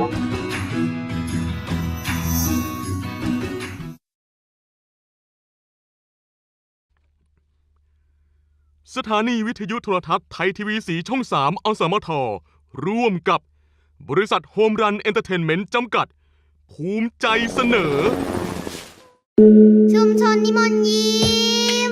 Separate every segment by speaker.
Speaker 1: สถานีวิทยุโทรทัศน์ไทยทีวีสีช่อง 3 อสมท ร่วมกับบริษัทโฮมรันเอนเตอร์เทนเมนต์จำกัดภูมิใจเสนอ
Speaker 2: ชุมชนนิมนต์ยิ้ม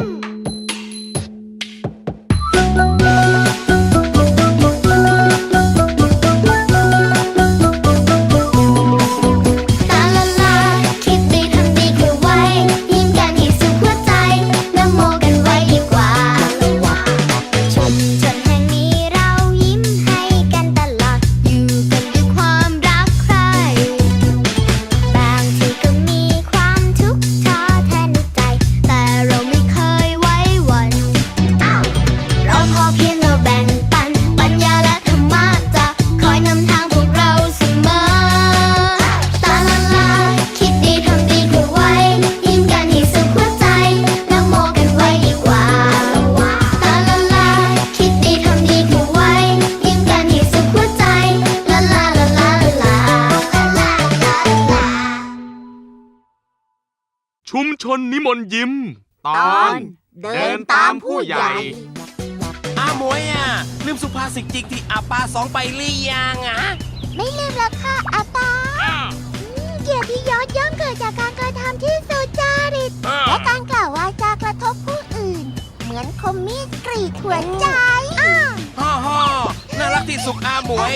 Speaker 1: ชุมชนนิมนต์ยิ้มตอนเดินตามผู้ใหญ่
Speaker 3: อาหมวยลืมสุภาษิตจริงที่อาปาสองไปหรือยัง
Speaker 2: ไม่ลืมแล้วค่ะอาปาเกียรติยศย่อมเกิดจากการกระทำที่สุจริตและการกล่าววาจากระทบผู้อื่นเหมือนคมมีดกรีดหัวใจ
Speaker 3: ฮ่อน่ารักที่สุดอาหมวย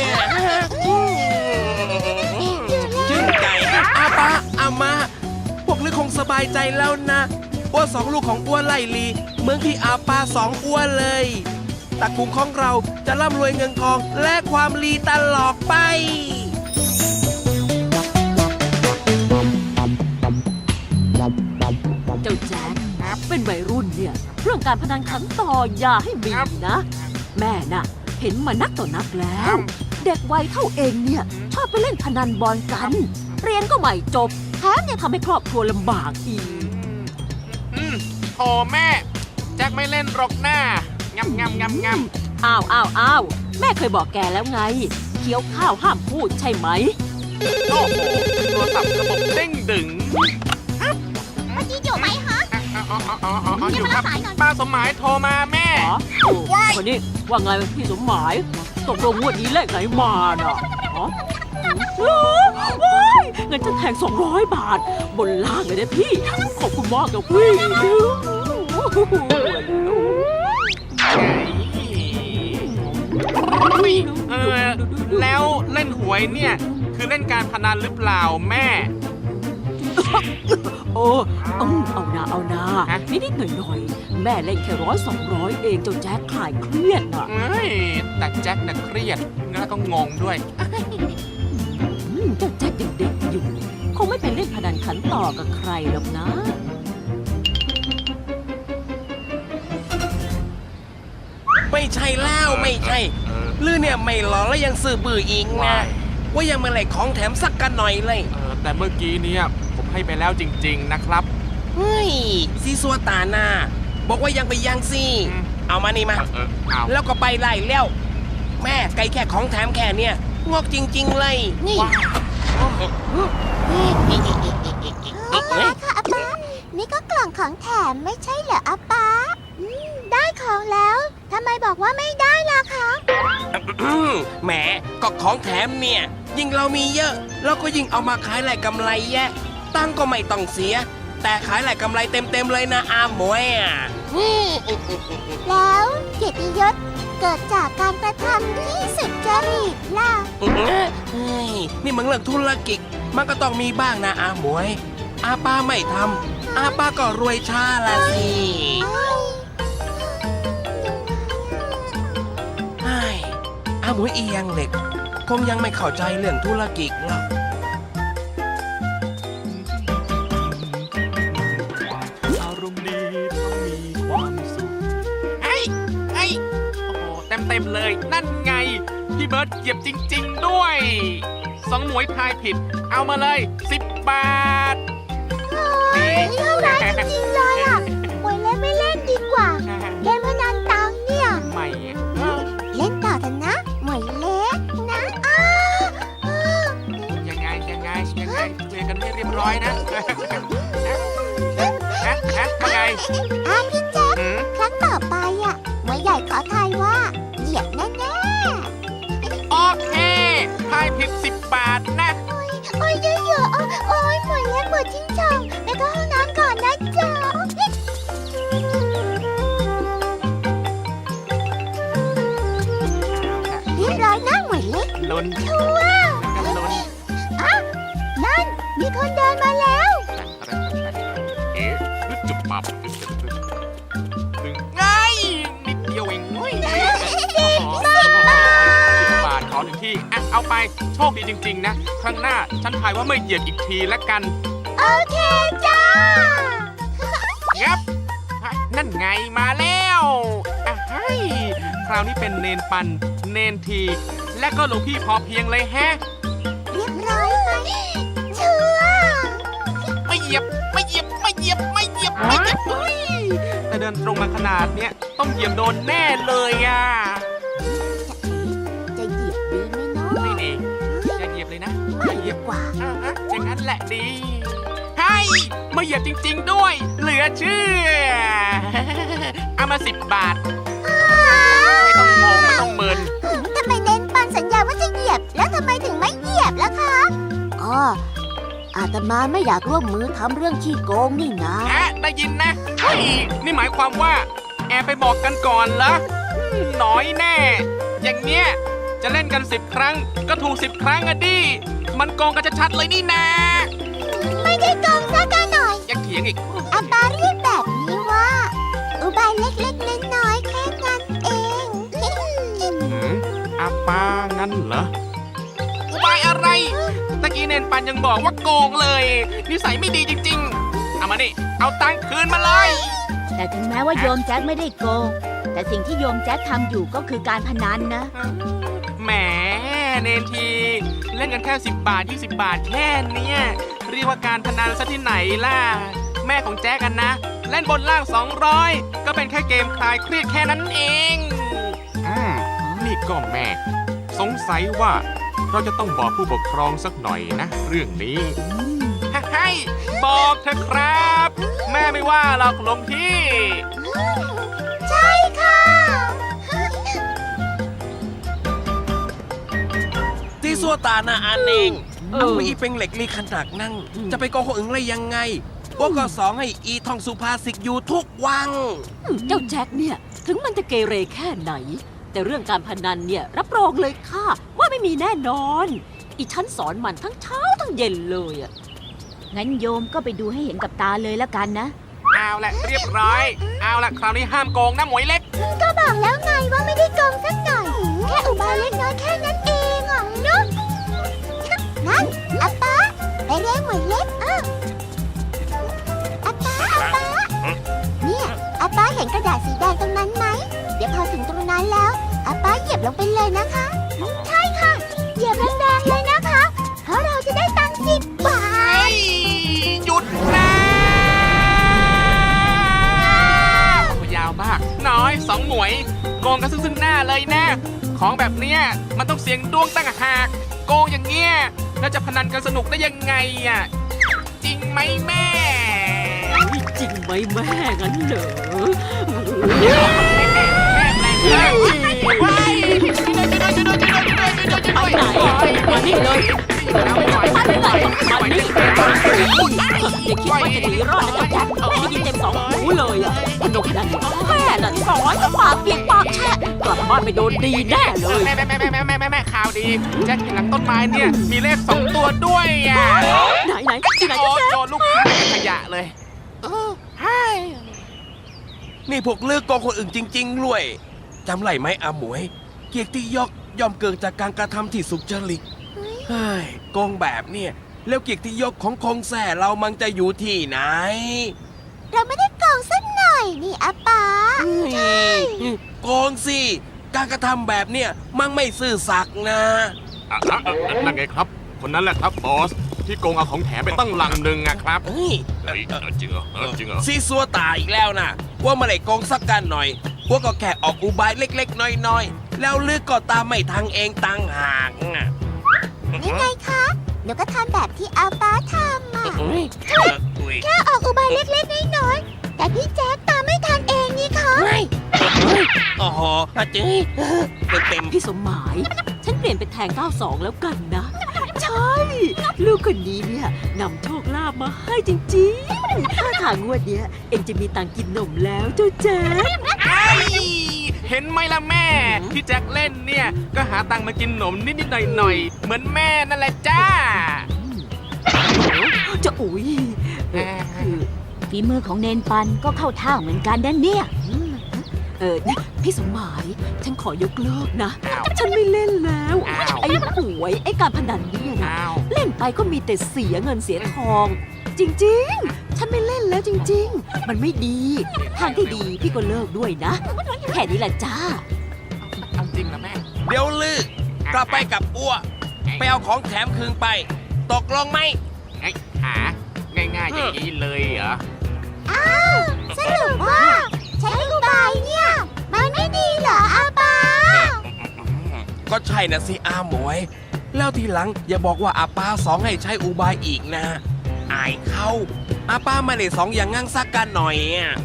Speaker 3: ชื่นใจอาปาอามาพวกลือคงสบายใจแล้วนะอ้วสองลูกของอ้วไล่ลีเมืองที่อาปาสองอ้วเลยตระกูลของเราจะร่ำรวยเงินทองและความลีตลอดไป
Speaker 4: เจ้าแจ๊คเป็นวัยรุ่นเนี่ยเรื่องการพนันขันต่ออย่าให้มีนะแม่น่ะเห็นมานักต่อนักแล้วเด็กวัยเท่าเองเนี่ยชอบไปเล่นพนันบอลกันเรียนก็ไม่จบแถมยังทำให้ครอบครัวลำบากอีก
Speaker 5: โอ้แม่แจ็คไม่เล่นหรอกหน้างำ
Speaker 4: อ้าวแม่เคยบอกแกแล้วไงเคี้ยวข้าวห้ามพูดใช่ไหม
Speaker 5: โอ้โหโทรศัพท์ระบบเด้งดึง
Speaker 2: เมื่อกี้อยู่ไหมฮะ
Speaker 5: อยู่ครับป้าสมหมายโทรมาแม่
Speaker 4: คนนี้ว่าไงพี่สมหมายตกลงงวดนี้เลขไหนมาน่ะเงินจะแทง200 บาทบนล่างเลยนะพี่ขอบคุณมากกับพี่
Speaker 5: แล้วเล่นหวยเนี่ยคือเล่นการพนันหรือเปล่าแม่
Speaker 4: เอานานิดหน่อยแม่เล่นแค่100-200เองเจ้าแจ๊คคลายเครียดน่ะ
Speaker 5: แต่แจ็คน่ะเครียดแล้วก็งงด้วย
Speaker 4: เจ้าแจ๊คเด็กๆอยู่คงไม่ไปเล่นพนันขันต่อกับใครหรอกนะ
Speaker 3: ไม่ใช่แล้วไม่ใช่ลือเนี่ยไม่หล่อแล้วยังซื่อบื้ออีกนะว่ายังมาแหลกของแถมสักกันหน่อยเลย
Speaker 5: แต่เมื่อกี้เนี่ยผมให้ไปแล้วจริงๆนะครับ
Speaker 3: เฮ้ยซีซัวตาหน้าบอกว่ายังไปยังสิเอามานี่มาแล้วก็ไปไล่แล้วแม่ไกลแค่ของแถมแค่เนี่ยงอกจริงๆเลยนี่
Speaker 2: อาปาค่ะอาปานี่ก็กล่องของแถมไม่ใช่เหรออาปาได้ของแล้วทำไมบอกว่าไม่ได้ล่ะคะ
Speaker 3: แหมก็ของแถมเนี่ยยิ่งเรามีเยอะเราก็ยิ่งเอามาขายแหลกกำไรแยะตั้งก็ไม่ต้องเสียแต่ขายแหลกกำไรเต็มเลยนะอาหมวย
Speaker 2: แล้วเกียรติยศเกิดจากการกระทำที่สุจริตล่ะ
Speaker 3: นี่มันเรื่องธุรกิจมันก็ต้องมีบ้างนะอาหมวยอาป้าไม่ทำอาป้าก็รวยช้าละสิอาหมวยอียังเหล็กคงยังไม่เข้าใจเรื่องธุรกิจหรอก
Speaker 5: อารมณ์ดีต้องมีความสุขโอ้โหเต็มเลยนั่นไงพี่เบิร์ดเหยียบจริงๆด้วย2 หมวยทายผิดเอามาเลย10 บาท
Speaker 2: เท่าไรจริงๆเลยหมวยเล่นไม่เล่นดีกว่าเล่นพนันตังเนี่ย
Speaker 5: ไม่
Speaker 2: เล่นต่อกันนะหมวยเล็กนะ
Speaker 5: กันให้เรียบร้อยนะว่าไง
Speaker 2: พี่แจ๊ค
Speaker 5: หืม
Speaker 2: ครั้งต่อไปอ่ะหมวยใหญ่ขอทายว่าเหยียบแน่
Speaker 5: โอเคทายผิด10 บาทนะ
Speaker 2: ๆโอ้ยเยอะๆโอ้ยหมวยเล็กปวดจิ้งจอกไปเข้าห้องน้ำก่อนนะจ๊ะเรียบร้อยนะหมวยเล็ก
Speaker 5: ลุ้น
Speaker 2: ชัวร์
Speaker 5: กันลุ้น
Speaker 2: นั่นมีคนเดินมาแล้ว
Speaker 5: เอ๊ะจุบปับไงนิดเดียวเองเว้ย10 บาทขอหนึ่งที่อ่ะเอาไปโชคดีจริงๆนะ ครั้งหน้าฉันทายว่าไม่เหยียบอีกทีละกัน
Speaker 2: โอเคจ้า
Speaker 5: งับนั่นไงมาแล้วอ่ะให้คราวนี้เป็นเนนปัน เนนที และก็หลวงพี่พอเพียงเลยแฮะ
Speaker 2: เรียบร้อยไหมชัวร์
Speaker 5: ไม่เหยียบเฮ้ยแต่เดินตรงมาขนาดเนี้ยต้องเหยียบโดนแน่เลยอ่ะ
Speaker 2: จะเหยียบดีไหมเนาะ
Speaker 5: ไม่ดีอย่าเหยียบเลยนะ
Speaker 2: ไม่ดีกว่า
Speaker 5: อ่าฮะอย่างนั้นแหละดีให้มาเหยียบจริงๆด้วย เหลือเชื่อ เอามา10 บาท ไม่ต้องงงไม่ต้องเมิน
Speaker 2: ทำไมเน้นปันสัญญาว่าจะเหยียบ แล้วทำไมถึงไม่เหยียบล่ะคะอ๋ออาตมาไม่อยากร่วมมือทำเรื่องขี้โกงนี่นะ
Speaker 5: ได้ยินนะเฮ้ยนี่หมายความว่า แอบไปบอกกันก่อนเหรอน้อยแน่ อย่างเนี้ยจะเล่นกัน10 ครั้ง ก็ถูก10 ครั้งอะดิ มันโกงกันชัดๆเลยนี่นา
Speaker 2: ไม่ได้โกงสักหน่อย
Speaker 5: ยังเถียงอีก
Speaker 2: อาปาเรียกแบบนี้ว่า อุบายเล็กๆน้อยๆแค่นั้นเอง
Speaker 5: อาป้างั้นเหรออุบายอะไร ตะกี้เนนปันยังบอกว่าโกงเลย นิสัยไม่ดีจริงๆ เอามานี่ เอาตังค์คืนมาเลย
Speaker 6: แต่ถึงแม้ว่าโยมแจ็คไม่ได้โกง แต่สิ่งที่โยมแจ็คทำอยู่ก็คือการพนันนะ
Speaker 5: แหมเนนที เล่นกันแค่10 บาท 20 บาทแค่เนี้ยเรียกว่าการพนันซะที่ไหนล่ะ แม่ของแจ๊กันนะ เล่นบนล่าง 200 ก็เป็นแค่เกมคลายเครียดแค่นั้นเองนี่ก็แม่ สงสัยว่าเราจะต้องบอกผู้ปกครองสักหน่อยนะ เรื่องนี้ให้บอกเถอะครับ แม่ไม่ว่าหรอกหลวงพี่
Speaker 2: ใช่ค่ะ
Speaker 3: ที่สัวตาหน้าอันเอง
Speaker 4: เออ
Speaker 3: เอาอีเป็นเหล็กลีขนาดนั่ง จะไปโกงคนอื่นได้ยังไงพวกก็สองให้อีท่องสุภาษิตอยู่ทุกวัง
Speaker 4: เจ้าแจ็คเนี่ย ถึงมันจะเกเรแค่ไหน แต่เรื่องการพนันเนี่ย รับรองเลยค่ะ ว่าไม่มีแน่นอน อีฉันสอนมันทั้งเช้าทั้งเย็นเลยอะ
Speaker 6: งั้นโยมก็ไปดูให้เห็นกับตาเลยแล้วกันนะ
Speaker 5: เอาละเรียบร้อย เอาละคราวนี้ห้ามโกงนะหมวยเล็ก
Speaker 2: ก็บอกแล้วไงว่าไม่ได้โกงสักหน่อย แค่อุบายเล็กน้อยแค่นั้นเองอ่ะเนาะนั่นอาปาไปเรียกหมวยเล็กอาปาเนี่ยอาปาเห็นกระดาษสีแดงตรงนั้นไหม เดี๋ยวพอถึงตรงนั้นแล้วอาปาเหยียบลงไปเลยนะคะ ใช่ค่ะ เหยียบแรงๆเลยนะคะ เพราะเราจะได้ตังค์10 บาท
Speaker 5: หยุดนะยาวมาก น้อย2 หมวย โกงกันซึ่งหน้าเลยนะ ของแบบเนี้ยมันต้องเสียงดวงตั้งหากโกงอย่างเงี้ยแล้วจะพนันกันสนุกได้ยังไงอ่ะ จริงไหมแม่
Speaker 4: จริงไหมแม่งั้นเหรอ ไปไหนมานี่เลยวันนี้อย่าคิดว่าจะหนีรอดนะเจ้าแจ็คได้ยินเต็ม2 หูเลยอ่ะสนุกนั่นแม่น่ะสอนปากเปียกปากแฉะกลับบ้านไปโดนดีแน่เลย
Speaker 5: แม่ข่าวดีแจ็คเห็นหลังต้นไม้เนี่ย มีเลข2 ตัวด้วยอ่ะ
Speaker 4: ไหนที่ไหน
Speaker 5: โอ้
Speaker 4: เจ้าแจ็ค
Speaker 5: โดนลูกค้าขยะเลยใช่
Speaker 3: นี่พวกเลือกโกงคนอื่นจริงๆรวยจำไรไหมอาหมวย เกียรติยศย่อมเกิดจากการกระทำที่สุจริตเฮ้ยโกงแบบเนี่ยแล้วเกียรติยศของคงแส่เรามันจะอยู่ที่ไหน
Speaker 2: เราไม่ได้โกงสักหน่อยนี่อาปา
Speaker 3: โกงสิ การกระทำแบบเนี่ยมันไม่ซื่อสัตย์นะ
Speaker 1: นั่นไงครับ คนนั้นแหละครับบอส ที่โกงเอาของแถมไปตั้งลังหนึ่งอะครับ
Speaker 3: เฮ้ย
Speaker 1: จริงเหรอจริงเหรอ
Speaker 3: ซีซัวตายอีกแล้วนะว่ามาได้โกงสักกันหน่อยพวกก็แค่ออกอุบายเล็กๆ น้อยๆ แล้วลึกก็ตามไม่ทังเองตังหากนะ
Speaker 2: นี่ไงคะเดี๋ยวก็ทำแบบที่อาป้าทำอ่ะ
Speaker 3: อุ๊ย
Speaker 2: แค่ออกอุบายเล็กๆน้อยๆแต่พี่แจ๊คตามไม่ทันเองนี่คะ
Speaker 3: โอ้โหอาจื้ยเต็ม
Speaker 4: พี่สมหมาย ฉันเปลี่ยนเป็นแทง 92 แล้วกันนะ ใช่ ลูกคนนี้เนี่ยนำโชคลาภมาให้จริงๆถ้าทางงวดเนี้ย เอ็งจะมีตังค์กินนมแล้วเจ้าแจ๊ค
Speaker 5: เห็นไหมล่ะแม่ ที่แจ็คเล่นเนี่ย ก็หาตังค์มากินหนมนิดๆหน่อยๆ เหมือนแม่นั่นแหละจ้า
Speaker 4: จะอุ๊ยคือ
Speaker 6: ฝีมือของเนนปันก็เข้าท่าเหมือนกันนะเนี่ย
Speaker 4: พี่สมหมาย ฉันขอยกเลิกนะ
Speaker 5: อ้าว
Speaker 4: ฉันไม่เล่นแล้ว
Speaker 5: อ้าว
Speaker 4: ไอ้หวยไอ้การพนันเนี่ยนะ
Speaker 5: อ้าว
Speaker 4: เล่นไปก็มีแต่เสียเงินเสียทอง จริงๆ ฉันไม่เล่นแล้วจริงๆ มันไม่ดี ทางที่ดีพี่ก็เลิกด้วยนะ แค่นี้แหละจ้า
Speaker 5: เอาจริงนะแม่
Speaker 3: ๆ เดี๋ยวลือกลับไปกับอ้วไปเอาของแถมคืนไป ตกลงไหม
Speaker 5: ไอ้หาง่ายๆอย่างนี้เลยเหรอ
Speaker 2: สรุปว่าใช้อุบายเนี่ย มันไม่ดีเหรออาป้า
Speaker 3: ก็ใช่นะสิอาหมวย แล้วทีหลังอย่าบอกว่าอาป้าสองให้ใช้อุบายอีกนะ อายเขาอาป้าไม่ได้สองอย่างงั้งซักกันหน่อยอ่ะ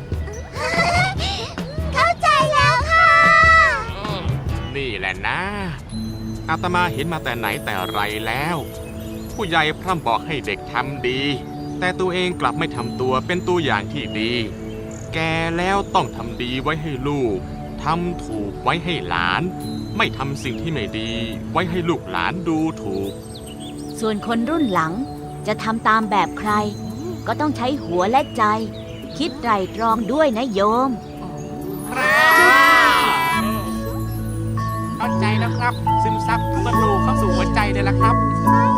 Speaker 2: เข้าใจแล้วค่ะ
Speaker 5: นี่แหละนะ อาตมาเห็นมาแต่ไหนแต่ไรแล้ว ผู้ใหญ่พร่ำบอกให้เด็กทำดี แต่ตัวเองกลับไม่ทำตัวเป็นตัวอย่างที่ดี แกแล้วต้องทำดีไว้ให้ลูกทำถูกไว้ให้หลาน ไม่ทำสิ่งที่ไม่ดี ไว้ให้ลูกหลานดูถูก
Speaker 6: ส่วนคนรุ่นหลังจะทำตามแบบใคร ก็ต้องใช้หัวและใจ คิดไตร่ตรองด้วยนะโยม
Speaker 5: เข้าใจแล้วครับ ซึมซับบรรลุเข้าสู่หัวใจเลยละครับ
Speaker 2: ใช่